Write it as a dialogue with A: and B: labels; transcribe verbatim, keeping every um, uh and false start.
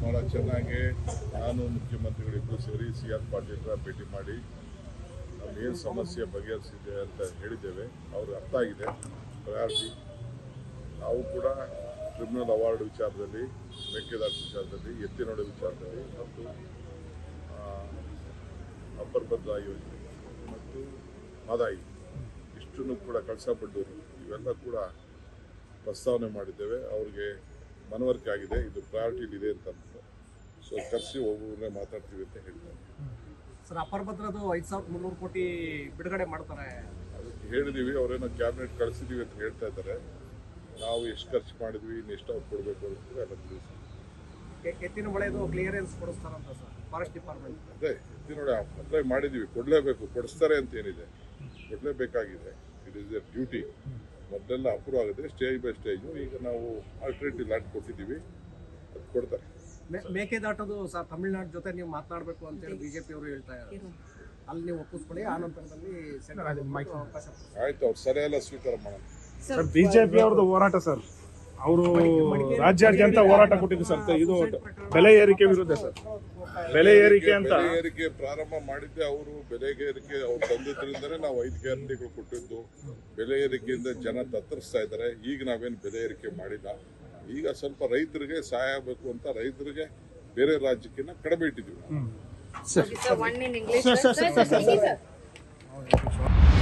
A: ಭಾಳ ಚೆನ್ನಾಗಿ ನಾನು ಮುಖ್ಯಮಂತ್ರಿಗಳಿಬ್ಬರು ಸೇರಿ ಸಿ ಆರ್ ಪಾಟೀಲ್ರ ಭೇಟಿ ಮಾಡಿ ನಮಗೇನು ಸಮಸ್ಯೆ ಬಗೆಹರಿಸಿದೆ ಅಂತ ಹೇಳಿದ್ದೇವೆ. ಅವ್ರಿಗೆ ಅರ್ಥ ಆಗಿದೆ ಪ್ರಯಾರಿಟಿ. ನಾವು ಕೂಡ ಟ್ರಿಬ್ಯುನಲ್ ಅವಾರ್ಡ್ ವಿಚಾರದಲ್ಲಿ, ಮೇಕೆದಾಟು ವಿಚಾರದಲ್ಲಿ, ಎತ್ತಿನೊಡೆ ವಿಚಾರದಲ್ಲಿ ಮತ್ತು ಅಪ್ಪರ್ ಭದ್ರಾ ಯೋಜನೆ ಮತ್ತು ಮದಾಯಿ ಇಷ್ಟನ್ನು ಕೂಡ ಕಳಸಾ-ಬಂಡೂರು ಇವೆಲ್ಲ ಕೂಡ ಪ್ರಸ್ತಾವನೆ ಮಾಡಿದ್ದೇವೆ. ಅವ್ರಿಗೆ ಮನವರಿಕೆ ಆಗಿದೆ, ಇದು ಪ್ರಯಾರಿಟಿಲಿ ಇದೆ ಅಂತ. ಸೊ ಕರೆಸಿ ಒಬ್ಬೊಬ್ಬರನ್ನೇ ಮಾತಾಡ್ತೀವಿ ಅಂತ ಹೇಳ್ತಾರೆ.
B: ಸರ್, ಅಪ್ಪರ್ ಭದ್ರದು ಐದು ಸಾವಿರದ ಮುನ್ನೂರು ಕೋಟಿ ಬಿಡುಗಡೆ ಮಾಡ್ತಾರೆ.
A: ಅದಕ್ಕೆ ಹೇಳಿದೀವಿ, ಅವರೇನೋ ಕ್ಯಾಬಿನೆಟ್ ಕಳಿಸಿದೀವಿ ಅಂತ ಹೇಳ್ತಾ ಇದ್ದಾರೆ. ನಾವು ಎಷ್ಟು ಖರ್ಚು ಮಾಡಿದ್ವಿ, ಇನ್ನು ಎಷ್ಟು ಅವ್ರು ಕೊಡಬೇಕು ಅಂತ ಎಲ್ಲ ತಿಳಿಸಿ.
B: ಎತ್ತಿನ ಹೊಳೆದು ಕ್ಲಿಯರೆನ್ಸ್ ಕೊಡಿಸ್ತಾರಂತ ಸರ್ ಫಾರೆಸ್ಟ್ ಡಿಪಾರ್ಟ್ಮೆಂಟ್.
A: ಅದೇ ಎತ್ತಿನೊಡೆ ಅಪ್ಲೈ ಮಾಡಿದೀವಿ, ಕೊಡಲೇಬೇಕು, ಕೊಡಿಸ್ತಾರೆ ಅಂತ ಏನಿದೆ, ಕೊಡಲೇಬೇಕಾಗಿದೆ. It is a duty. ಮೊದಲೆಲ್ಲ ಅಪ್ರೂವ್ ಆಗಿದೆ ಸ್ಟೇಜ್ ಬೈ ಸ್ಟೇಜು. ಈಗ ನಾವು ಆಲ್ಟರ್ನೇಟಿವ್ ಲ್ಯಾಂಡ್ ಕೊಟ್ಟಿದ್ದೀವಿ, ಅದು ಕೊಡ್ತಾರೆ.
B: ಮೇಕೆದಾಟದು ಸರ್ ತಮಿಳುನಾಡು ಜೊತೆ ನೀವು ಮಾತನಾಡಬೇಕು ಅಂತೇಳಿ ಬಿಜೆಪಿ ಅವರು ಹೇಳ್ತಾ ಇದ್ದಾರೆ. ಅಲ್ಲಿ ನೀವು ಒಪ್ಪಿಸ್ಕೊಳ್ಳಿ, ಆ ನಂತರದಲ್ಲಿ
A: ಆಯ್ತು, ಅವ್ರು ಸರಿ ಎಲ್ಲ ಸ್ವೀಕಾರ ಮಾಡೋಣ.
C: ಸರ್, ಬಿಜೆಪಿ ಅವ್ರದ್ದು ಹೋರಾಟ ಸರ್, ಅವರು ರಾಜ್ಯಾದ್ಯಂತ ಹೋರಾಟ ಕೊಟ್ಟಿದ್ದು ಸರ್. ಇದು ಬೆಲೆ ಏರಿಕೆ ವಿರುದ್ಧ ಸರ್. ಬೆಲೆ ಏರಿಕೆ ಅಂತ
A: ಬೆಲೆ ಏರಿಕೆ ಪ್ರಾರಂಭ ಮಾಡಿದ್ದೆ ಅವರು. ಬೆಲೆ ಏರಿಕೆ ಅವ್ರು ತಂದಿದ್ರಿಂದನೇ ನಾವು ಐದು ಗ್ಯಾರಂಟಿಗಳು ಕೊಟ್ಟಿದ್ದು. ಬೆಲೆ ಏರಿಕೆಯಿಂದ ಜನ ತತ್ತರಿಸ್ತಾ ಇದ್ದಾರೆ. ಈಗ ನಾವೇನು ಬೆಲೆ ಏರಿಕೆ ಮಾಡಿಲ್ಲ. ಈಗ ಸ್ವಲ್ಪ ರೈತರಿಗೆ ಸಹಾಯ ಆಗಬೇಕು ಅಂತ ರೈತರಿಗೆ ಬೇರೆ ರಾಜ್ಯಕ್ಕಿಂತ ಕಡಿಮೆ ಇಟ್ಟಿದ್ದೀವಿ.